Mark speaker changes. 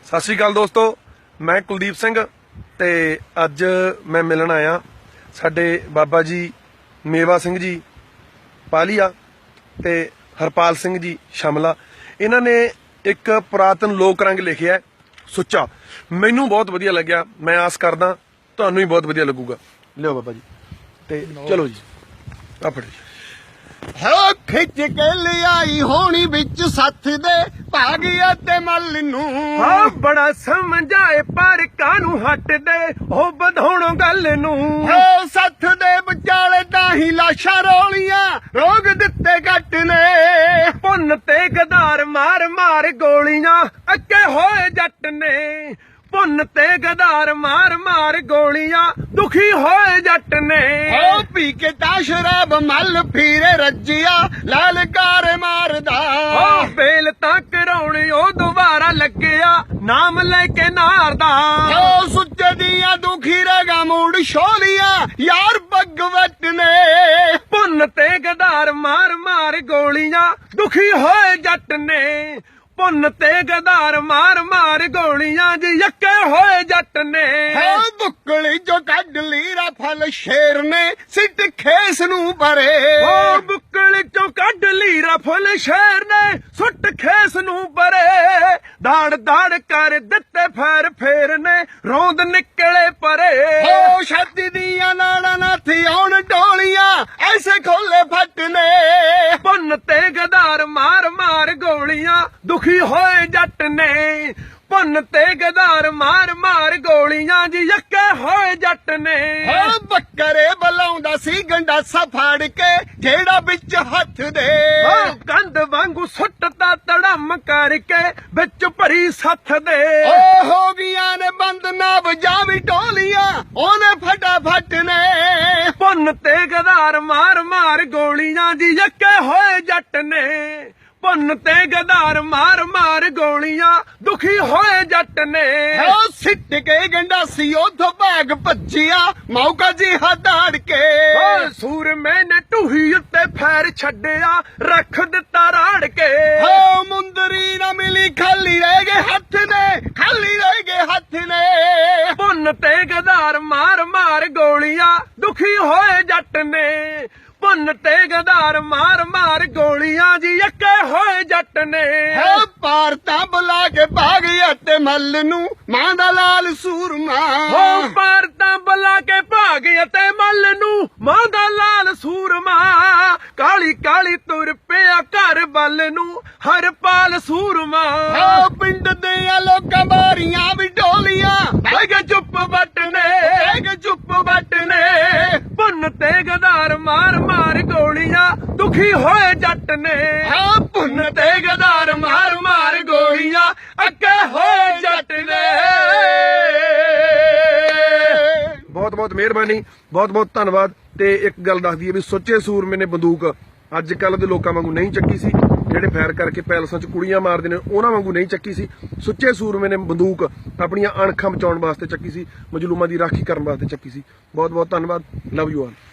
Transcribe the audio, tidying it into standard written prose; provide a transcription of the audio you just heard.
Speaker 1: ਸਤਿ ਸ਼੍ਰੀ ਅਕਾਲ ਦੋਸਤੋ, ਮੈਂ ਕੁਲਦੀਪ ਸਿੰਘ ਤੇ ਅੱਜ ਮੈਂ ਮਿਲਣ ਆਇਆ ਸਾਡੇ ਬਾਬਾ ਜੀ ਮੇਵਾ ਸਿੰਘ ਜੀ ਪਾਲੀਆ ਤੇ ਹਰਪਾਲ ਸਿੰਘ ਜੀ ਸ਼ਮਲਾ। ਇਹਨਾਂ ਨੇ ਇੱਕ ਪੁਰਾਤਨ ਲੋਕ ਰੰਗ ਲਿਖਿਆ ਸੁੱਚਾ। ਮੈਨੂੰ ਬਹੁਤ ਵਧੀਆ ਲੱਗਿਆ, ਮੈਂ ਆਸ ਕਰਦਾ ਤੁਹਾਨੂੰ ਵੀ ਬਹੁਤ ਵਧੀਆ ਲੱਗੂਗਾ। ਲਿਓ ਬਾਬਾ ਜੀ ਤੇ ਚਲੋ ਜੀ ਆ ਫੜੋ ਜੀ।
Speaker 2: ਹੋ ਖਿੱਚ ਕੇ ਲਿਆਈ ਹੋਣੀ ਵਿੱਚ ਸੱਥ ਦੇ ਭਾਗਿਆ ਤੇ ਮੱਲ ਨੂੰ।
Speaker 1: ਹਾਂ ਬੜਾ ਸਮਝਾਏ ਪਰ ਕਾਨੂੰ ਹਟਦੇ ਉਹ ਵਧਾਉਣੋਂ ਗੱਲ ਨੂੰ।
Speaker 2: ਹੋ ਸੱਥ ਦੇ ਵਿਚਾਲੇ ਤਾਂ ਹੀ ਲਾਸ਼ਾਂ ਰੋਲੀਆਂ ਰੋਗ ਦਿੱਤੇ ਘੱਟ ਨੇ।
Speaker 1: ਪੁੰਨ ਤੇ ਗਦਾਰ ਮਾਰ ਮਾਰ ਗੋਲੀਆਂ ਅੱਗੇ ਹੋਏ ਜੱਟ ਨੇ। ਪੁੰਨ ਤੇ ਗਦਾਰ ਮਾਰ ਮਾਰ ਗੋਲੀਆਂ ਦੁਖੀ ਹੋਏ ਜੱਟ ਨੇ।
Speaker 2: ਹੋ ਪੀ ਕੇ ਤਾਂ ਸ਼ਰਾਬ ਮੱਲ ਫੀਰੇ ਰੱਜਿਆ ਲਾਲਕਾਰ ਮਾਰਦਾ।
Speaker 1: ਹੋ ਬੇਲ ਤਾਂ ਕਰਾਉਣੀ ਉਹ ਦੁਬਾਰਾ ਲੱਗਿਆ ਨਾਮ ਲੈ ਕੇ ਨਾਰਦਾ।
Speaker 2: ਹੋ ਸੁੱਚੇ ਦੀਆਂ ਦੁਖੀ ਰਗਾ ਮੂੜ ਛੋਲੀਆਂ ਯਾਰ ਭਗਵਤ ਨੇ।
Speaker 1: ਪੁੰਨ ਤੇ ਗਦਾਰ ਮਾਰ ਮਾਰ ਗੋਲੀਆਂ ਦੁਖੀ ਹੋਏ ਜੱਟ ਨੇ। ਪੁੰਨ ਤੇ ਗਦਾਰ ਮਾਰ ਮਾਰ ਗੋਲੀਆਂ ਜੀ ਯੱਕੇ ਹੋਏ ਜੱਟ ਨੇ।
Speaker 2: ਹੋ ਬੁੱਕਲੀ ਜੋ ਕੱਢ ਲੀਰਾ ਫਲ ਸ਼ੇਰ ਨੇ ਸਿੱਟ ਖੇਸ ਨੂੰ ਭਰੇ।
Speaker 1: ਹੋ ਬੁੱਕਲ ਚੋਂ ਕੱਢ ਲਈ ਰਫਲ ਸ਼ੇਰ ਨੇ ਸੁੱਟ ਖੇਸ ਨੂੰ ਪਰੇ। ਦਾੜ ਦਾੜ ਕਰ ਦਿੱਤੇ ਫੇਰ ਫੇਰ ਨੇ ਰੋਂਦ ਨਿਕਲੇ ਪਰੇ।
Speaker 2: ਹੋ ਛਾਤੀ ਦੀਆਂ ਨਾੜਾਂ ਨਾ ਥਿਆਉਣ ਡੋਲੀਆਂ ਐਸੇ ਖੋਲੇ ਫੱਟ ਨੇ।
Speaker 1: ਪੁੰਨ ਤੇ ਗਦਾਰ ਮਾਰ ਮਾਰ ਗੋਲੀਆਂ ਦੁਖੀ ਹੋਏ ਜੱਟ ਨੇ। ਪੁੰਨ ਤੇ ਗਦਾਰ ਮਾਰ ਮਾਰ ਗੋਲੀਆਂ ਜੀ ਯੱਕੇ ਹੋਏ ਜੱਟ ਨੇ।
Speaker 2: ਹੋ ਬੱਕਰੇ ਬਲਾਉਂਦਾ ਸੀ ਗੰਡਾਸਾ ਫਾੜ ਕੇ ਜਿਹੜਾ ਵਿੱਚ ਹੱਥ ਦੇ।
Speaker 1: ਹੋ ਕੰਧ ਵਾਂਗੂ ਸੁੱਟਦਾ ਤੜਮ ਕਰਕੇ ਵਿੱਚ ਭਰੀ ਸੱਥ ਦੇ।
Speaker 2: ਹੋ ਗਈਆਂ ਨੇ ਬੰਦ ਨਾ ਵਜਾਵੀ ਢੋਲੀਆਂ ਉਹਨੇ ਫਟਾਫਟ ਨੇ।
Speaker 1: ਪੁੰਨ ਤੇ ਗਦਾਰ ਮਾਰ ਮਾਰ ਗੋਲੀਆਂ ਜੀ ਯੱਕੇ ਹੋਏ ਜੱਟ ਨੇ। ਪੁੰਨ ਤੇ ਗਦਾਰ ਮਾਰ ਮਾਰ ਗੋਲੀਆਂ ਦੁਖੀ ਹੋਏ ਜੱਟ ਨੇ।
Speaker 2: ਹੋ ਸਿੱਟ ਕੇ ਗੰਡਾਸੀ ਉਥੋਂ ਭਾਗ ਭੱਜਿਆ ਮੌਕਾ ਜੀ ਹਦਾੜ ਕੇ।
Speaker 1: ਓ ਸੂਰਮੇ ਨੇ ਢੂਹੀ ਉੱਤੇ ਫੈਰ ਛੱਡਿਆ ਰੱਖ ਦਿੱਤਾ ਰਾੜ ਕੇ।
Speaker 2: ਹੋ ਮੁੰਦਰੀ ਨਾ ਮਿਲੀ ਖਾਲੀ ਰਹਿ ਗਏ ਹੱਥ ਨੇ ਖਾਲੀ ਰਹਿ ਗਏ ਹੱਥ ਨੇ।
Speaker 1: ਪੁੰਨ ਤੇ ਗਦਾਰ ਮਾਰ ਮਾਰ ਗੋਲੀਆਂ ਦੁਖੀ ਹੋਏ ਜੱਟ ਨੇ। ਪੁੰਨ ਤੇ ਗਦਾਰ ਮਾਰ ਮਾਰ ਗੋਲੀਆਂ ਜੀ ਯੱਕੇ ਹੋਏ ਜੱਟ ਨੇ।
Speaker 2: ਹੋ ਪਾਰਤਾ ਬੁਲਾ ਕੇ ਭਾਗਿਆ ਤੇ ਮੱਲ ਨੂੰ ਮਾਂ ਦਾ ਲਾਲ ਸੂਰਮਾ।
Speaker 1: ਹੋ ਪਾਰਤਾ ਬੁਲਾ ਕੇ ਭਾਗਿਆ ਤੇ ਮੱਲ ਨੂੰ ਮਾਂ ਦਾ ਲਾਲ ਸੂਰਮਾ। ਕਾਲੀ ਕਾਲੀ ਤੁਰ ਪਿਆ ਘਰ ਵੱਲ ਨੂੰ ਹਰਪਾਲ ਸੂਰਮਾ।
Speaker 2: ਹੋ ਪਿੰਡ ਦੇ ਲੋਕਾਂ ਬਾਰੀਆਂ ਵੀ ਢੋਲੀਆਂ ਬਹਿ ਗਏ ਚੁੱਪ ਵੱਟ ਨੇ ਬਹਿ ਗਏ ਚੁੱਪ ਵੱਟ ਨੇ।
Speaker 1: ਪੁੰਨ ਤੇ ਗਦਾਰ ਮਾਰ ਮਾਰ ਗੋਲੀਆਂ ਦੁਖੀ ਹੋਏ ਜੱਟ ਨੇ।
Speaker 2: ਹੋ ਪੁੰਨ
Speaker 1: ਤੇ ਗਦਾਰ ਮਾਰ ਮਾਰ ਗੋਲੀਆਂ ਅੱਗੇ ਹੋਏ ਜੱਟ ਨੇ। ਬਹੁਤ ਬਹੁਤ ਮਿਹਰਬਾਨੀ, ਬਹੁਤ ਬਹੁਤ ਧੰਨਵਾਦ। ਤੇ ਇੱਕ ਗੱਲ ਦੱਸ ਦਈਏ ਵੀ ਸੁੱਚੇ ਸੂਰਮੇ ਨੇ ਬੰਦੂਕ ਅੱਜ ਕੱਲ ਦੇ ਲੋਕਾਂ ਵਾਂਗੂ ਨਹੀਂ ਚੱਕੀ ਸੀ, ਜਿਹੜੇ ਫਾਇਰ ਕਰਕੇ ਪੈਲਸਾਂ 'ਚ ਕੁੜੀਆਂ ਮਾਰਦੇ ਨੇ ਉਹਨਾਂ ਵਾਂਗੂ ਨਹੀਂ ਚੱਕੀ ਸੀ। ਸੁੱਚੇ ਸੂਰਮੇ ਨੇ ਬੰਦੂਕ ਆਪਣੀਆਂ ਅਣਖਾਂ ਬਚਾਉਣ ਵਾਸਤੇ ਚੱਕੀ ਸੀ, ਮਜਲੂਮਾਂ ਦੀ ਰਾਖੀ ਕਰਨ ਵਾਸਤੇ ਚੱਕੀ ਸੀ। ਬਹੁਤ ਬਹੁਤ ਧੰਨਵਾਦ। Love you all.